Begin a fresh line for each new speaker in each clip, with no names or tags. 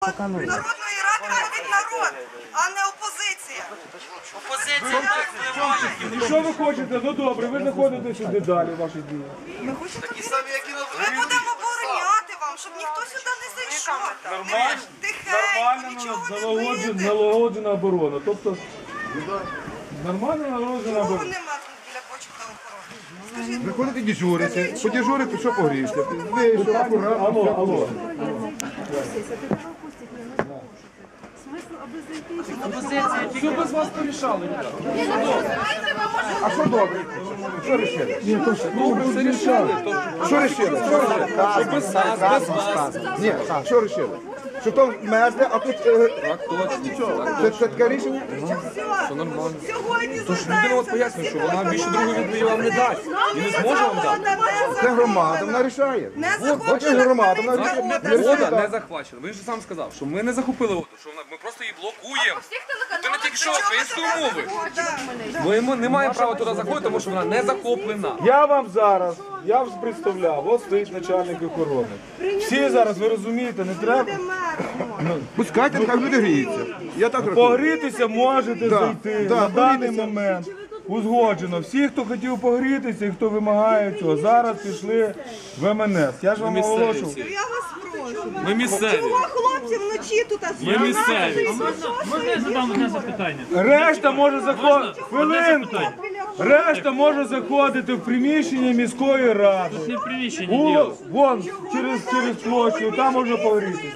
Народної ради ходить народ, а не опозиція.
Опозиція так впливає.
Що ви хочете? Ну добре, ви заходите сюди далі, ваші дії.
Ми хочемо ми будемо обороняти вам, щоб ніхто сюди не зайшов. Тихенько, нічого не бити.
Налагоджена оборона. Тобто, нормально налагоджена
Кого
оборона.
нема тут біля бочок на охорони? Скажіть,
Приходите дежурите, подежурите, що погріште. Вийшов, акуратно.
Алло. Все без вас порішали.
А що добре? Що рішили?
Все рішали.
Що рішили?
Без нас, без вас.
Ні, що рішили? Що там мерзне, а тут...
Так, точно.
Це таке рішення?
Все нормально.
сьогодні
Тож людина от пояснює, що вона більше другої відповіді вам не дасть. І не зможе вам дати.
Це громада, вона рішає.
Не
От є громада, вона
Вода не захвачена. Він же сам сказав, що ми не захопили воду, що ми просто її блокуємо. Ти не тільки що української мови. Ми не маємо права туди заходити, тому що вона не захоплена.
Я вам зараз, я вас представляв, от стоїть начальник охорони. Всі зараз, ви розумієте, не треба.
Пускайте, хай люди гріються. Я так рахую.
Погрітися можете зайти
да,
на даний
погрітися.
момент. Узгоджено. Всі, хто хотів погрітися і хто вимагає цього, зараз пішли в МНС. Я ж вам оголошував.
Я вас прошу.
Ми місцеві.
Чого хлопці вночі тут
Ми місцеві.
Можна я задам одне запитання?
Решта може заходити. Хвилинку. Решта може заходити в приміщення міської ради.
Не в приміщенні діло.
Вон, через площу, там можна погрітися.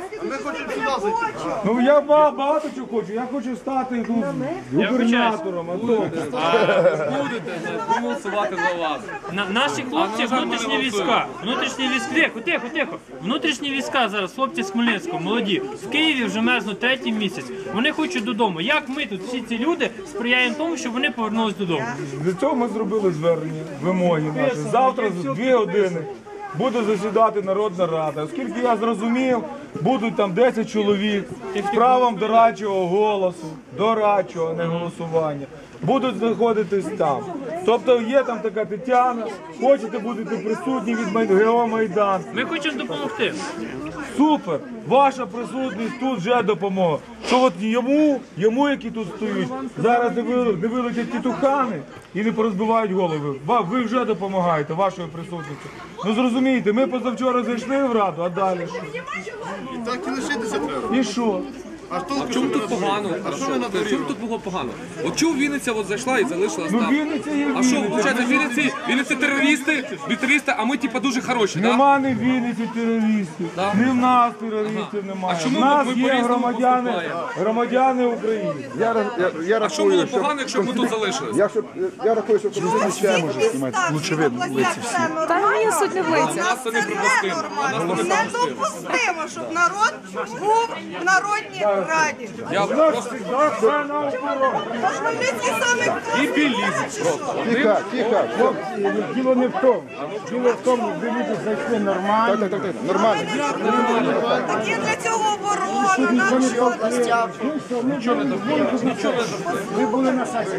Ну я багато чого хочу. Я хочу стати тут губернатором. А то.
Будете проголосувати за вас.
Наші хлопці, внутрішні війська. Тихо. Внутрішні війська зараз, хлопці з Хмельницького, молоді. В Києві вже мерзнуть третій місяць. Вони хочуть додому. Як ми тут, всі ці люди, сприяємо тому, щоб вони повернулись додому?
Для цього ми зробили звернення, вимоги наші. Завтра за 2 години буде засідати Народна Рада. Оскільки я зрозумів, будуть там 10 чоловік з правом дорадчого голосу, дорадчого, не голосування. Будуть знаходитись там. Тобто є там така Тетяна, хочете будете присутні від ГО Майдан.
Ми хочемо допомогти.
Супер! Ваша присутність тут вже допомога. Що от йому, які тут стоять, зараз не вилетять тітухани і не порозбивають голови. Ви вже допомагаєте вашою присутністю. Ну зрозумієте, ми позавчора зайшли в Раду, а далі що?
Так і лишитися треба.
І що?
А в чому тут погано? В чому тут було погано? От чому Вінниця от зайшла і залишилась
Ну
там?
Вінниця є
А що,
Вінниця.
виходить, Вінниці терористи, а ми типа дуже хороші, так?
Нема ні в Вінниці терористів, ні в нас терористів немає.
А чому
В нас
ми
є
по-різному
громадяни України.
А що було погано, якщо б ми тут залишились?
Я рахую, що комуністичне може знімати.
лучше видно лиця всі.
Та ні, суть не в лицях.
Нас це не припустимо.
Недопустимо, щоб народ був в Народній Раді.
Я просто
Хмельницький саме
і білізм просто.
Тихо.
Діло не в тому. Діло в тому, ви люди зайшли нормально.
Так. Нормально.
так є для цього оборона. Нам що?
Ви були на сесії.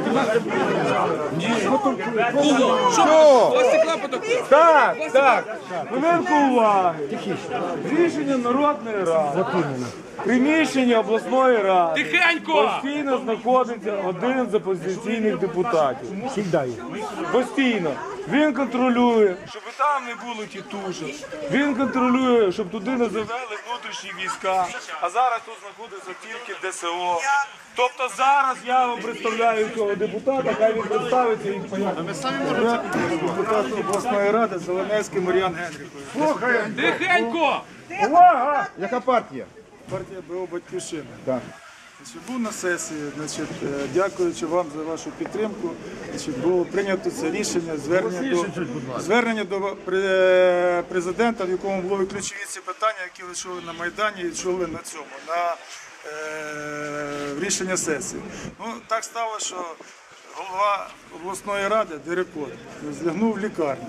Що? Ось стекла потоку.
Так. Хвилинку уваги. Рішення Народної Ради. Приміщення обласної ради.
Тихенько!
Постійно знаходиться один з опозиційних депутатів. Постійно. Він контролює, щоб там не було тітушок. Він контролює, щоб туди не завели внутрішні війська. А зараз тут знаходиться тільки ДСО. Тобто зараз я вам представляю цього депутата, хай він представиться і пояснить. Депутат обласної ради Зеленецький Мар'ян Генріхович.
Тихенько!
Увага!
Яка партія?
Партія БО «Батьківщина».
Так.
Був на сесії, дякуючи вам за вашу підтримку, було прийнято це рішення, звернення до президента, в якому були ключові ці питання, які ви чули на Майдані і чули на цьому, на рішення сесії. Ну, так сталося, що голова обласної ради, Дерекот, злягнув в лікарню.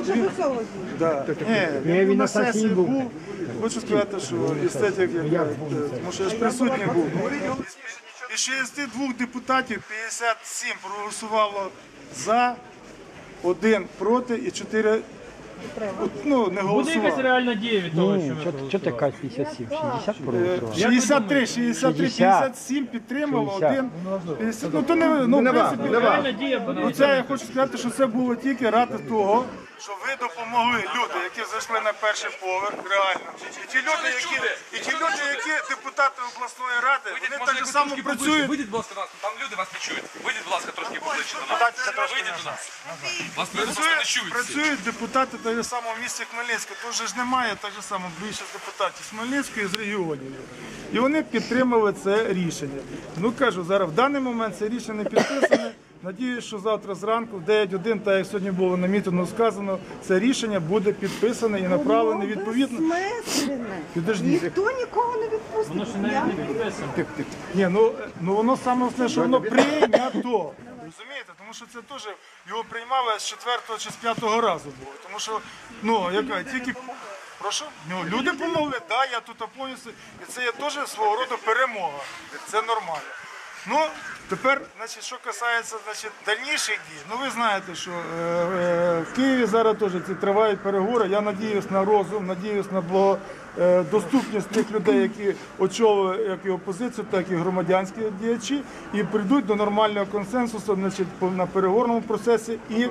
Він на сесії був. Хочу сказати, що естетик, тому що я ж присутній був. Із 62 депутатів 57 проголосувало за, 1 проти і 4 ну, не
Буде якась
голосували.
реальна дія від того, що ви
Що ти кажеш 57? 60 проголосували?
63, 57 підтримало, 1, 50. Ну, то не, ну, в принципі,
реальна дія буде.
ну, це я хочу сказати, що це було тільки ради того, що ви допомогли люди, які зайшли на перший поверх, реально. І ті люди, які депутати обласної ради, вони так же само працюють.
Вийдіть, будь ласка, до нас, там люди вас не чують. Вийдіть, будь ласка, трошки поближче до нас. Вийдіть до нас. Вас люди просто не чують.
Працюють депутати так же само в місті Хмельницьке. Тут же ж немає так же само більшість депутатів з Хмельницької і з регіонів. І вони підтримали це рішення. Ну кажу, зараз в даний момент це рішення не підписане. Надіюсь, що завтра зранку, в 9:01, так як сьогодні було на мітингу сказано, це рішення буде підписане і направлене відповідно. Підождіть.
Ніхто нікого не відпустить.
Воно ще навіть не підписано.
Ні, ну воно саме основне, що воно прийнято. Розумієте? Тому що це теж його приймали з 4-го чи з 5-го разу було. Тому що, ну, яка, тільки, прошу, ну, люди помогли, так, я тут повністю, і це є теж свого роду перемога. Це нормально. Ну, тепер, значить, що касається, значить, дальніших дій, ну ви знаєте, що в Києві зараз теж ці тривають переговори. Я надіюсь на розум, надіюсь на доступність тих людей, які очолюють як і опозицію, так і громадянські діячі, і прийдуть до нормального консенсусу, значить, на переговорному процесі і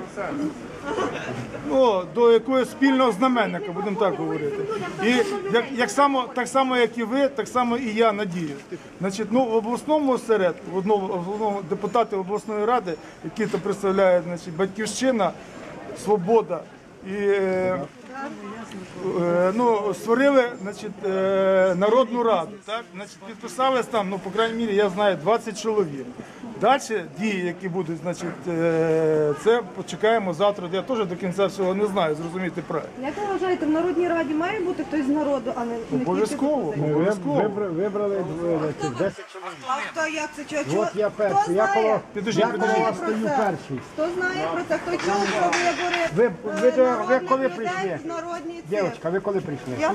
до якогось спільного знаменника, будемо так говорити. І так само, як і ви, так само і я надію. Значить, ну, в обласному осередку, депутати обласної ради, які то представляють, значить, Батьківщина, Свобода і створили, значить, Народну Раду. Так? Значить, підписались там, ну, по крайній мірі, я знаю, 20 чоловік. Далі дії, які будуть, значить, це почекаємо завтра. Я теж до кінця всього не знаю, зрозуміти правильно.
Як ви вважаєте, в Народній Раді має бути хтось з народу, а не тільки...
Обов'язково, обов'язково.
Вибрали 10 чоловік.
А хто, як це? Чого?
От я
Хто
перший, я коло,
знає?
Підожди,
Хто знає про
стою
це?
перший.
Хто знає про це? Хто чув про вибори
Ви коли
народних
прийшли?
людей в народній
Дівчатка, ви коли прийшли?
Я тут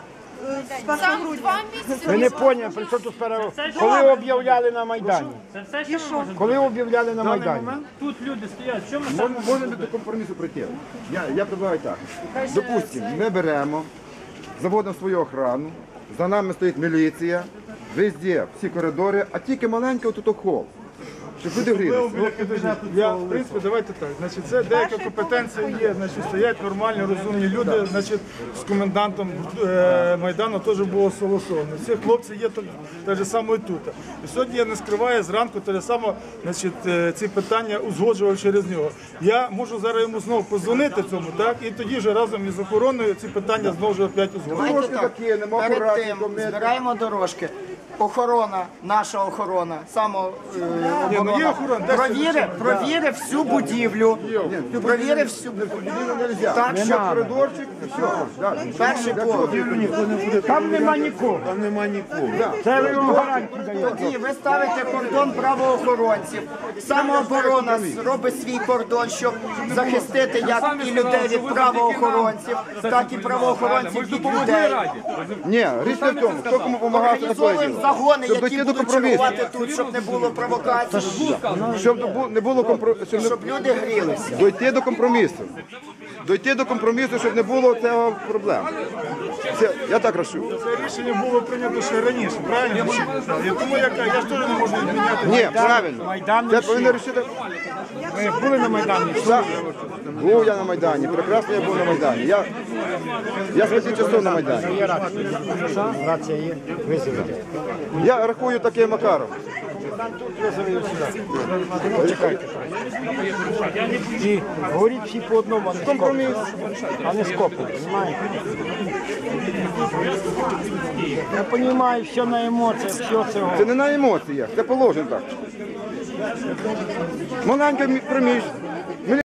з 1 грудня.
Ви не поняли, при чому тут коли об'являли на Майдані?
Це все, що ми можемо.
Коли об'являли на Майдані?
Тут люди стоять. Що ми там?
Можна до компромісу прийти. Я предлагаю так. Допустимо, ми беремо, заводимо свою охрану, за нами стоїть міліція, везде, всі коридори, а тільки маленький отут хол. Щоб люди грілися.
Я, в принципі, давайте так. Значить, це деяка компетенція є. Значить, стоять нормальні, розумні люди. Значить, з комендантом Майдану теж було согласовано. Ці хлопці є так же само і тут. І сьогодні я не скриваю зранку те саме, значить, ці питання узгоджував через нього. Я можу зараз йому знову позвонити цьому, так, і тоді вже разом із охороною ці питання знову ж опять узгоджуємо.
Трошки такі, нема
Перед
акуратні,
тим
то ми-
збираємо дорожки. Охорона, наша охорона,
є охорона, де
провірив всю будівлю. Провірив всю так,
Ще
що
коридорчик, і все.
перший поверх.
Там нема нікого. Це ви вам гарантію даєте.
Тоді ви ставите кордон правоохоронців. Самооборона робить свій кордон, щоб захистити як і людей від правоохоронців, так і правоохоронців від людей.
Ні, річ не в тому, хто кому допомагав, це такое
Організовуємо
діло.
загони,
Щоб
які
дійти до
будуть
компромісу.
чергувати тут, щоб не було провокацій,
Щоб не було компромісу.
щоб люди грілися.
Дойти до компромісу. Дойти до компромісу, щоб не було цього проблем. Я так рашу.
Це рішення було прийнято ще раніше, правильно? І тому я ж теж не можу відміняти.
Ні, правильно. Це повинно рішити.
Ми були на Майдані.
Був я на Майдані, прекрасно я був на Майдані. Я з 5 часов на Майдані.
Рація є, визовете.
Я рахую таким макаром.
І говоріть всі по одному, а не скопу, розумієте? Я розумію, все на емоціях, все цього.
Це не на емоціях, це положено так. Маленьке приміщення.